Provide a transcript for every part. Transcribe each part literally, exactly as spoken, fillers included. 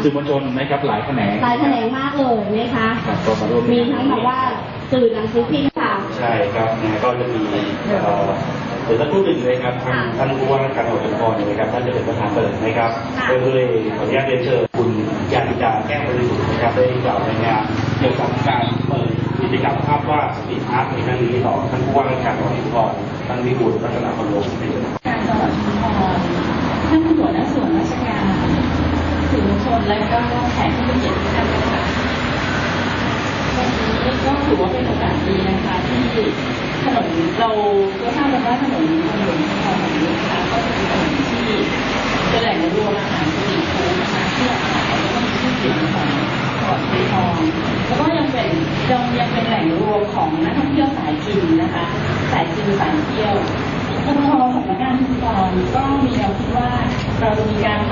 สื่อมวลชนนะครับหลายแขนงหลายแขนงมากเลยนะคะมีทั้งแบบว่าสื่อหนังสือพิมพ์ค่ะใช่ครับก็จะมีเดี๋ยวท่านพูดถึงเลยครับทางท่านผู้ว่าราชการจังหวัดชุมพรนะครับท่านจะเป็นประธานเปิดนะครับโดยเลยขออนุญาตเรียนเชิญคุณยานิกาแก้วบริสุทธิ์นะครับได้กล่าวในงานเกี่ยวกับการเปิดกิจกรรมภาพวาดสตรีทอาร์ตในครั้งนี้ต่อท่านผู้ว่าราชการจังหวัดชุมพรท่านวิบูลย์รัตนพลลงเป็นการจังหวัดชุมพรท่านหัวหน้าส่วนราชการสื่อมวลชนและก็แขกผู้มีเกียรติทุกท่านนะคะวันนี้ก็ถือว่าเป็นโอกาสดีนะคะที่ถนนเราก็ทราบกันว่าถนนถนนชุมพรแห่งนี้นะคะก็เป็นถนนที่เป็นแหล่งรวมอาหารสตรีทฟู้ดนะคะที่อาหารแล้วก็มีชื่อเสียงของจังหวัดชุมพรแล้วก็ยังเป็นยังยังเป็นแหล่งรวมของนักท่องเที่ยวสายกินนะคะสายกินสายเที่ยวทางสำนักงานชุมพรก็มีแนวคิดว่าเราจะมีการ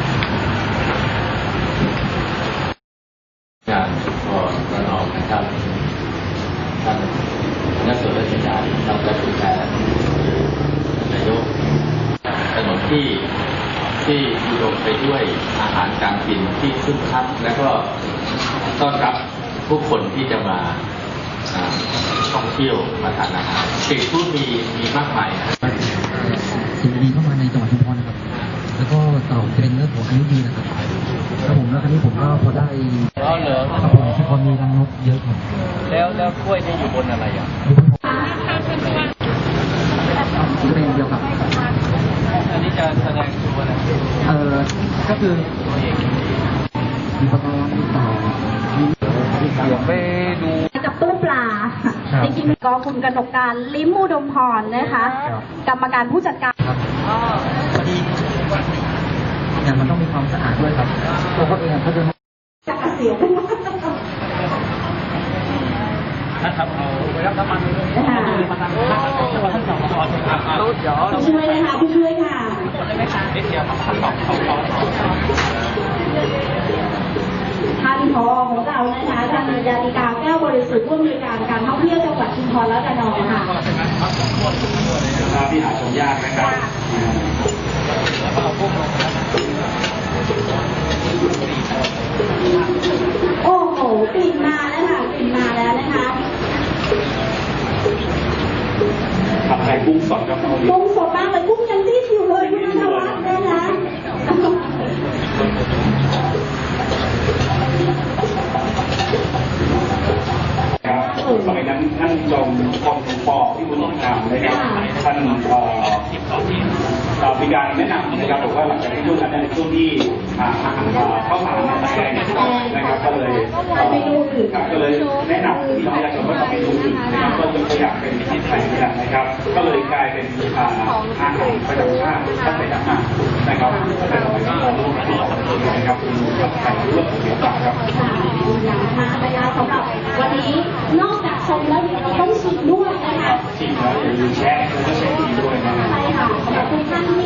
การชุมพรระนองนะครับท่านนักส่วนราชการท่านรัฐมนตรีนายกถนนที่ที่อุดมไปด้วยอาหารการกินที่คึกคักและก็ต้อนรับผู้คนที่จะมาท่องเที่ยวมาทานอาหารสิ่งที่มีมีมากมายสิ่งดีเข้ามาในจังหวัดชุมพรนะครับแล้วก็ต่อเป็นเรื่องของอายุดีนะครับครับผมแล้วครั้นี้ผมก็พอได้แล้วเหรอครับผมชุมพรมีรังนกเยอะครับแล้วแล้วกล้วยนี่อยู่บนอะไรอ่ะเป็นเดียวครับอันนี้จะแสดงตัวอะไรเออก็คือมีปลามีเต่าเดี๋ยวไปดูกับตู้ปลาจริงๆก็คุณกนกการลิ้มอุดมพรนะคะกรรมการผู้จัดการพอดีอย่างมันต้องมีความสะอาดด้วยครับตัวเขาเองเขาจะจะเสียถ้าทำเอาไปรับน้ำมันเลยนะคะผู้ช่วยนะคะผู้ช่วยค่ะนิดเดียวท่านบอกเขาขอท่านผอของเรานะคะท่านยานิกาแก้วบริสุทธิ์ผู้อำนวยการการท่องเที่ยวจังหวัดชุมพรและระนองค่ะที่หาชมยากนะครับโอ้โหกลิ่นมาแล้วค่ะกลิ่นมาแล้วนะคะผัดไทยกุ้งสดครับกุ้งสดมากเลยกุ้งยังรีบอยู่เลยคุณธวัฒน์นะคะสมัยนั้นท่านจอมพลปอที่คุณต้องทำนะครับท่านมีการแนะนำนะครับบอกว่าหลังจากที่ช่วงนั้นในช่วงที่เข้ามาในตะแกรงนะครับก็เลยก็เลยแนะนำที่ประชาชนว่าทำเมนูอื่นนะครับก็ยกตัวอย่างเป็นผัดไทยนะครับก็เลยกลายเป็นอาหารประจำชาติตั้งแต่นั้นมานะครับแต่สมัยนั้นเรารู้นะครับเป็นผัดไทยเรื่องเกี่ยวกับครับอย่างมานะคะสำหรับวันนี้นอกจากชมแล้วเราต้องชิมด้วยนะคะชิมแล้วอย่าลืมแชร์แล้วก็เช็คดีด้วยนะใช่ค่ะสำหรับทุกท่าน